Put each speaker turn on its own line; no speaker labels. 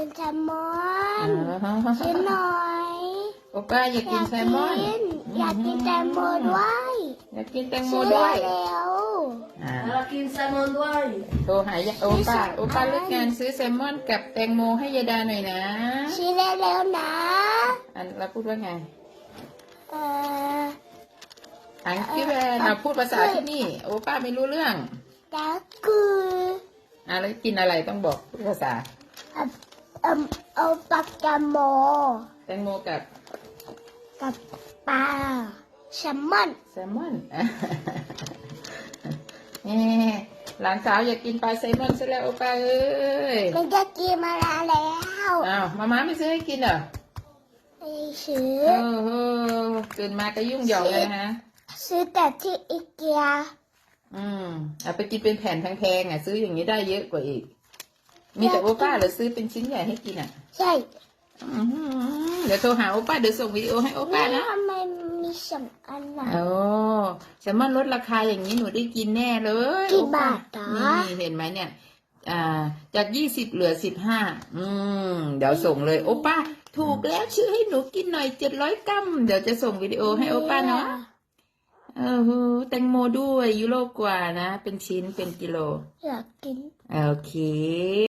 นแซลมอน
อ๋อ
ซื้อหน่อย
โอป้าอยากกินแซลมอน
อยากกินแตงโมด้วย
อยากกินแตงโม
ซื้อ
ด้วย
เร็ว
อ่า
เรากินแซลมอนด้วย
โทรหายโอป้าเลิกงานซื้อแซลมอนกับแตงโมให้ยายดาหน่อยนะ
ซื้อเร็วๆนะ
อันเราพูดว่าไง
เออ
อังกี้แบนเราพูดภาษาที่นี่ โอป้าไม่รู้เรื่อง
แล้วคือ
แล้วกินอะไรต้องบอกพูดภาษา
เอาปลากระโม
แตงโมกับ
กับปลาแซลมอน
แซลมอน หลานสาวอยากกินปลาแซลมอนซะแล้วโอป้าเอ้ย
มันจะกินมาแล้ว
อ้าวมาม่าไม่ซื้อให้กินเหรอ
ไม่ซื้อ
โอ้โหตื่นมาก็ยุ่งเหยิงเลยนะ
ซื้อแต่ที่อีเกีย
เอาไปกินเป็นแผ่นแพงๆซื้ออย่างนี้ได้เยอะกว่าอีก มีแต่โอป้าเหรือซื้อเป็นชิ้นใหญ่ให้กิน
ใช่
เดี๋ยวโทรหาโอป้าเดี๋ยวส่งวิดีโอให้โอป้านะ
ทำไมมีสองอันน่ะ
โอ้แซลมอนลดราคาอย่างนี้หนูได้กินแน่เลย
กี่บาทเหรอ
นี่เห็นไหมเนี่ย จาก20เหลือ15เดี๋ยวส่งเลยโอป้าถูกแล้วชื่อให้หนูกินหน่อย700 กรัมเดี๋ยวจะส่งวิดีโอให้โอป้าเนาะแตงโมด้วยยูโรกว่านะเป็นชิ้นเป็นกิโล
อยากกิน
โอเค